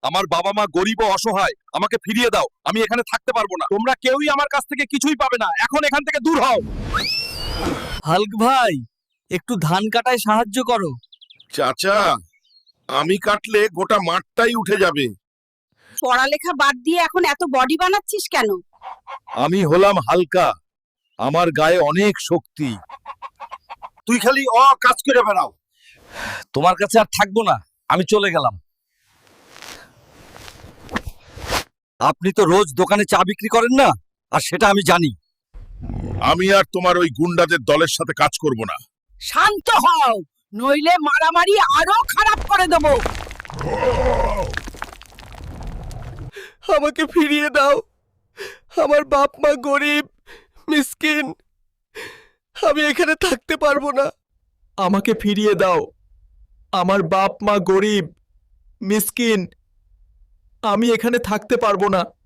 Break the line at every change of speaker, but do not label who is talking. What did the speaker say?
আমার বাবা মা গরিব ও অসহায়, আমাকে ফিরিয়ে দাও, আমি এখানে থাকতে পারবো না। তোমরা কেউই আমার কাছ থেকে কিছুই পাবে না, এখন এখান থেকে দূর হও।
হাল্ক ভাই, একটু ধান কাটায় সাহায্য করো।
চাচা, আমি কাটলে গোটা মাঠটাই উঠে যাবে।
পড়ালেখা বাদ দিয়ে এখন এত বডি বানাচ্ছিস কেন?
আমি হলাম হালকা, আমার গায়ে অনেক শক্তি।
তুই খালি কাজ করে বেড়াও।
তোমার কাছে আর থাকবো না, আমি চলে গেলাম। আপনি তো রোজ দোকানে চা বিক্রি করেন না, আর সেটা আমি জানি।
আমি আর তোমার ওই গুন্ডাদের দলের সাথে কাজ করব না।
শান্ত হও, নইলে মারামারি আরো খারাপ করে দেবো।
আমাকে ফিরিয়ে দাও, আমার বাপ মা গরিব মিসকিন, আমি এখানে থাকতে পারবো না। আমাকে ফিরিয়ে দাও, আমার বাপ মা গরিব মিসকিন, আমি এখানে থাকতে পারবো না।